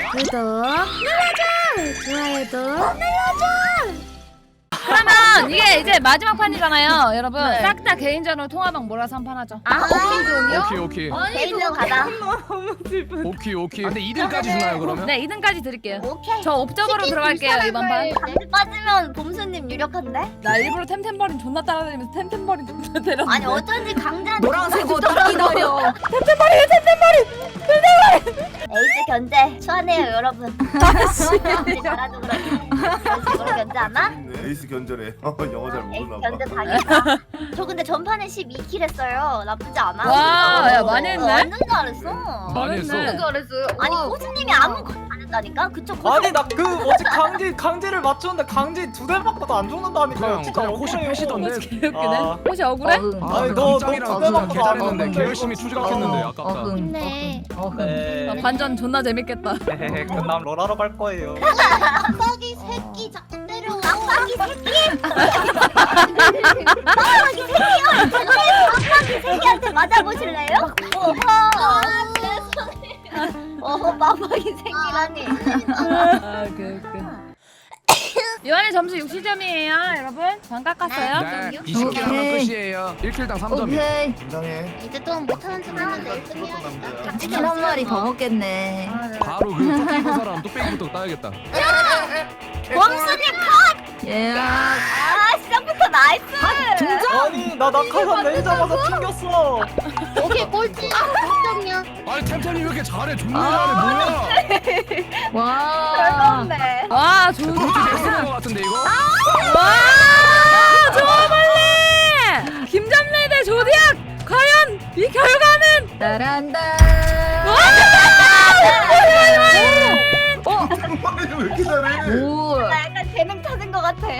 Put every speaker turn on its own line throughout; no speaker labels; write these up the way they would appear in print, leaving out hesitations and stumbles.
구독 눌러줘. 좋아요도 눌러줘.
그러면 이게 이제 마지막 판이잖아요, 여러분.
네.
싹 다 개인전으로 통화방 몰아서 한 판 하죠.
오케이.
개인전 가자.
오케이. 근데 2등까지 주나요 그러면?
네, 2등까지 드릴게요.
오케이.
저 옵저버로 들어갈게요, 이번 판.
강제 빠지면 봄수님 유력한데?
나 일부러 템템버린 존나 따라다니면서 템템버린 존나 때렸는데.
아니 어쩐지 강제한테
노란색 옷 딱 기다려.
에이스 견제 추하네요 여러분. 아씨 잘하죠 그러지. 에이스 견제 안 하?
에이스 견제래. 영어 잘
에이스
모르나 봐.
견제 당했다. 저 근데 전판에 12킬 했어요. 나쁘지 않아.
와, 야, 많이 했네?
완전 잘했어.
많이 했어.
잘했네.
잘했어요. 아니 호수님이 아무것도 안 했다니까? 그쪽
아니 나 그 뭐지 강제를 맞췄는데 강제 두 대 맞고도 안 죽는다니까요. 진짜
그냥 호시
억울해요.
패시던데.
개웃기네.
아.
혹시 억울해?
아니,
너
너
짱이랑
두 대만
개
봐도 안
잘했는데
먹는데,
개 열심히
이거.
추적했는데 아깝다.
힘내.
네.
관전 존나 재밌겠다.
헤헤 그럼 롤하러 갈 거예요.
깜빡이 새끼 자꾸 때려. 깜빡이 새끼. 깜빡이 새끼요. 깜빡이 새끼한테 맞아보실래요? 어허 깜빡이 새끼라니.
아, 이번에 점수 60점이에요, 여러분. 반 깎았어요.
네, 20킬 하면
오케이.
끝이에요. 1킬당 3점이요.
오케이.
긴장해.
이제 또 못하는 척 하는데
죽었던 남자야.
치킨 한 마리 더 먹겠네.
바로 그 쫓기는 사람 뚝배기부터 따야겠다.
범수님
예.
아 시작부터 나이스.
아니 나 낙하산 내리자마자 튕겼어.
오케이 꼴찌. 꼴찌냐?
아니 템템이 왜 이렇게 잘해? 존나 잘해. 뭐야?
와.
별건데.
와, 좋은
엑스인 것 같은데 이거?
와, 좋아 빨리. 김점래 대 조디악. 과연 이 결과는?
따란다.
템템버리는 왜 이렇게 잘해?
오.
나 약간 재능 찾은 것 같아.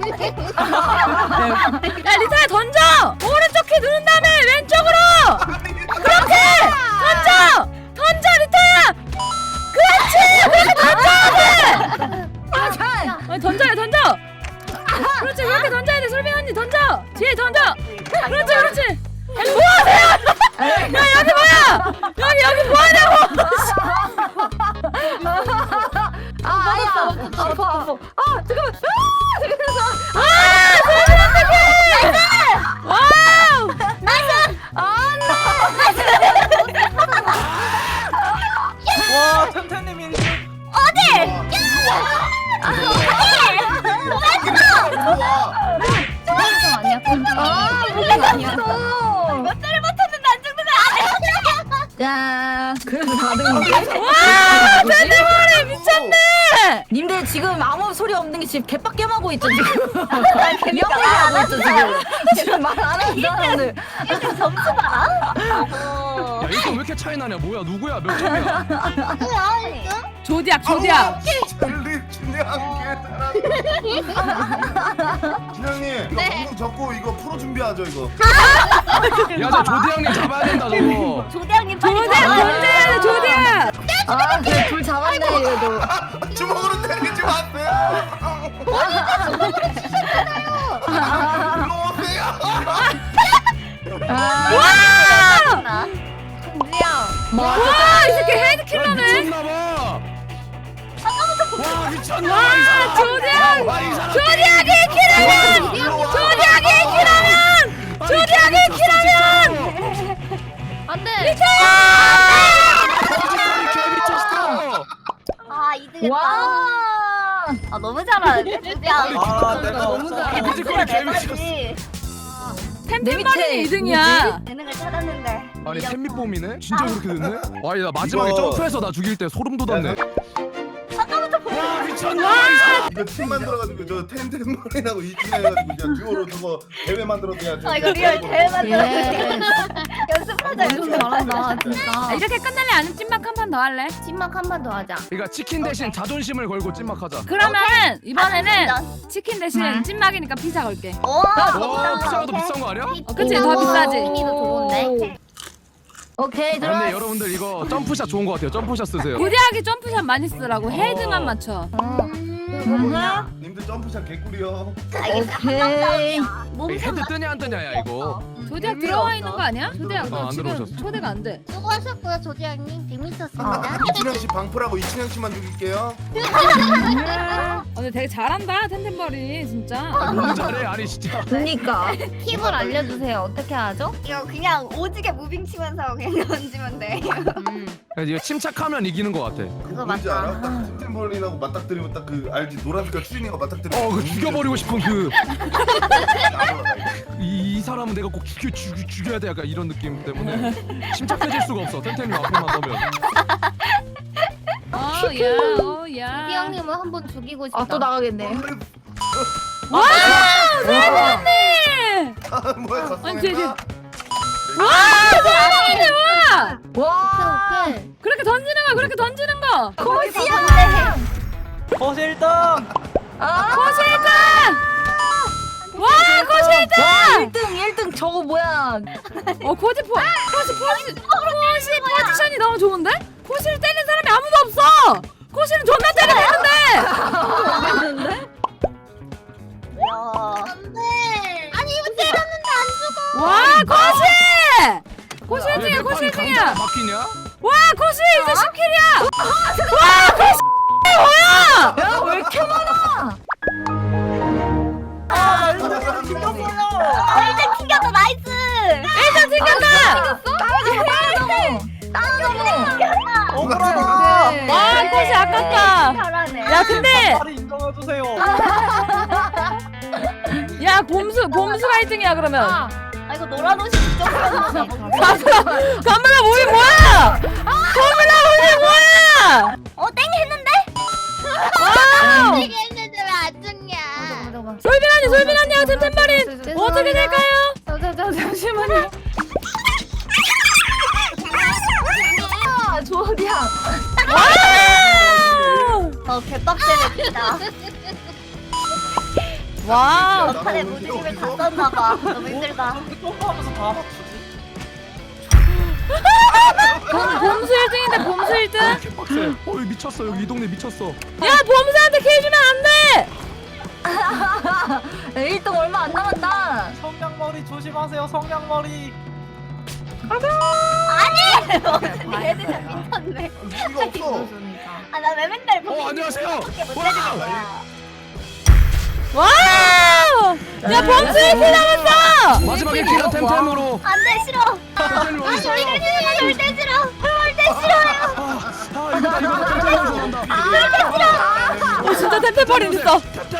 야, 리타야 던져. 오른쪽 키 누른 다음에 왼쪽으로. 그렇게 던져 리타야. 그렇지. 그렇게 던져야 돼. 아니, 던져. 그렇지, 그렇게 던져야 돼. 솔빈 언니 던져. 뒤에 던져. 그렇지. 뭐 하세요? 야, 여기 뭐야? 여기 뭐 하냐고.
아파. 잠깐만.
와우.
와 템템님이
몇 대를 맞췄는데 안 죽는데
자, 그래도 4등인데?
와, 대대머리 미쳤네.
님들 지금 아무 소리 없는 게 지금 개빡겜하고 있죠 지금. 명예하고 있죠 지금. 지금 말 안 하는 사람들.
일단 점수 봐라.
야 이거 왜 이렇게 차이 나냐? 뭐야? 누구야? 몇 점이야?
조디악.
젤리 준영한 게 잘한다. 준영님 이거 방송 접고 이거 프로 준비하죠 이거.
야, 저 조디 형님 잡아야 된다 저거.
조대장님 빨리
조디악.
아, 그래 둘 잡았네 그래도.
주먹으로 때리지 마세요. 일로 오세요.
와,
뭐?
와, 이 새끼 헤드킬러네.
미쳤나봐. 와 미쳤나?
와, 조디악.
와, 이 사람.
조디악이 킬하면. 조디악이 킬하면. 안돼. 리타야.
개 미쳤어.
아 이득했다.
와.
아 너무 잘하는데 조대장.
아 내가
너무 잘해.
뮤지컬이 개 미쳤어.
내봐야지.
템템버린이 2등이야.
재능을 찾았는데.
아니 템밑봄이네? 진짜 그렇게 됐네? 와, 나 마지막에
이거-
점프해서 나 죽일 때 소름 돋았네. 와 미쳤나?
이거 팀 만들어가지고 저 템템머리라고 이팀해가지고 그냥 듀오로 저거 대회 만들어 그냥.
아 이거 리얼 대회 만들어.
예.
연습하자 연습.
잘한다 진짜.
이렇게 끝낼래? 아니면 찐막 한 판 더 할래?
찐막 한 번 더 하자.
그러니까 치킨 대신 자존심을 걸고 찐막하자.
그러면은 이번에는
아,
치킨 대신 찐막이니까 피자 걸게.
오.
와 피자가 더 비싼 거 아니야?
그치, 더 비싸지.
도 좋은데.
오케이
아,
들어왔어.
근데 여러분들 이거 점프샷 좋은 거 같아요. 점프샷 쓰세요.
고대하게 점프샷 많이 쓰라고. 헤드만 맞춰.
이거 뭐냐? 님들 점프샷 개꿀이요.
알겠어.
오케이.
몸
헤드 뜨냐 안 뜨냐야 이거.
조디악 들어와 있는 거 아니야? 조디악
안
너 지금
들어오셨어.
초대가 안 돼.
수고하셨고요 조디양님. 재밌었습니다.
이춘향 씨 방풀하고 이춘향 씨만 죽일게요.
근데 되게 잘한다 템템버린 진짜.
너무 잘해 아니 진짜.
그니까.
팁을 알려주세요. 어떻게 하죠? 이거 그냥 오지게 무빙 치면서 그냥 던지면 돼.
이거 침착하면 이기는 거 같아.
그거
뭔지
맞다.
알아? 딱 템템버린하고 맞닥뜨리면 딱 그 알지 노란 색깔 추리닝하고 맞닥뜨리면.
그 죽여버리고 싶은 그
안 올라가, 이거.
이 사람은 내가 꼭 죽여야 돼 약간 이런 느낌 때문에 침착해질 수가 없어. 템템이 앞에만 넣으면.
야.
조디양님을 한번 죽이고 싶다.
아 또 나가겠네.
와 세븐님.
뭐야
아니, 쟤.
갔어?
와 세븐님 와.
와.
그렇게 던지는 거 그렇게 던지는 거.
거시야.
거실등.
코실드. 와 코실드.
1등 저거 뭐야?
코시 포지션이 너무 좋은데? 코시를 때리는 사람이 아무도 없어. 코시는 존나 때리는데.
안돼. 아니 이거 때렸는데 안 죽어.
와 코시. 코시 1등이야 코시 1등이야.
바뀌냐?
와 코시 이제 10킬이야. 와 코시 뭐야?
야왜 이렇게 많아?
일단 튕겼다 나이스.
일단 튕겼다.
억울하다.
와 코시 아깝다.
잘하네.
야 근데
빨리 인정해주세요.
야 봄수가 1등이야 그러면.
아 이거 노란 옷이 부정이었나 봐.
감블라 모이 뭐야? 감블라 모이 뭐야?
땡 했는데?
와우.
땡 했는데 왜 안 죽냐?
솔빈 언니와 템템버린 어떻게 될까요?
잠시만요.
조디야.
와우.
개빡세네 진짜.
와우.
막판에 무지개를 다 썼나봐. 너무 힘들다.
똥하면서 다 맞추지.
봄수 1등인데 봄수 1등?
개빡세. 어이 미쳤어 여기 이 동네 미쳤어.
야 봄수한테 킬 주면 안 돼!
1등 얼마 안 남았다.
성냥머리 조심하세요. 성냥머리.
얘들 다 미쳤네.
무기가 없어.
나 왜 맨날
안녕하세요.
거야?
와우! 야 봄수 1킬 남았어!
마지막에 킬은 템템으로.
안돼 싫어.
템템이 어디 있어요?
절대 싫어. 절대 싫어요.
이거다 템템으로 간다.
진짜 템템버린 있어.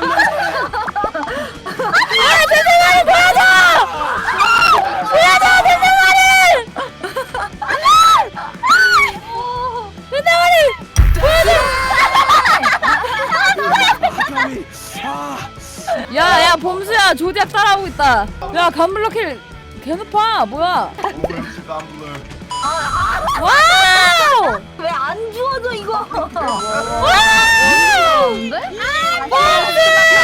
야야 봄수야 조디악 따라오고 있다. 야 감블러 킬 개높아 뭐야? 와우!
왜 안 주워져 이거?
와우! 봄수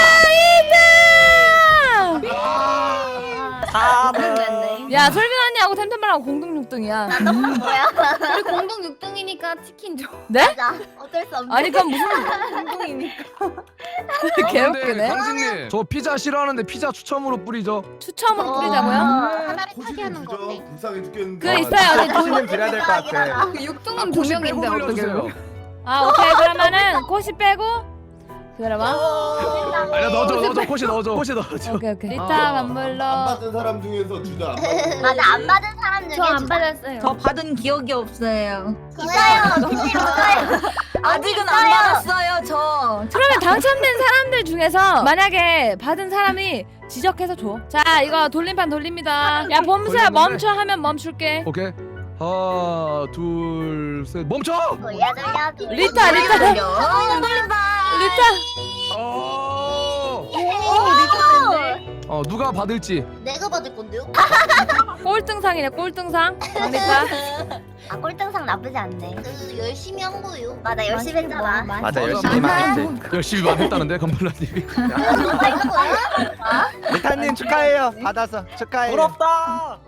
2등! 야 솔빈 언니하고 템템버린하고 공동 6등이야.
나 너무 거야.
우리 공동 6등이니까 치킨 줘.
네?
나 어쩔 수 없네.
아니 그럼 무슨
공동이니까.
개웃기네.
강진님 저 피자 싫어하는데 피자 추첨으로 뿌리죠.
추첨으로 뿌리자고요?
하나를 타게 하는 거 어때?
불쌍해 죽겠는데.
그 있어요.
조심히 드려야 될 것 같아.
그 6등은 두 명인데 어떻게 해?
아 오케이 그러면은 코시 빼고 기다려봐.
아니야 넣어줘 코시 넣어줘.
오케이 오케이. 리타
안
감블러.
받은 사람 중에서 주자. 안 받은
맞아 안 받은 사람 중에
저 안 받았어요.
저 받은 기억이 없어요.
있어요. 있어요.
아직은 안 받았어요 저.
그러면 당첨된 사람들 중에서 만약에 받은 사람이 지적해서 줘. 자 이거 돌림판 돌립니다. 야 봄수야 멈춰 하면 멈출게.
오케이. 하나 둘 셋 멈춰.
돌려.
리타.
누가 받을지.
내가 받을 건데요?
꼴등상이네 꼴등상. 리타.
꼴등상 나쁘지 않네. 열심히 한 거요. 맞아 열심히 했잖아.
맞아 열심히 했지.
열심히 했다는데 건블라님이.
리타님 축하해요. 받아서 축하해요.
부럽다.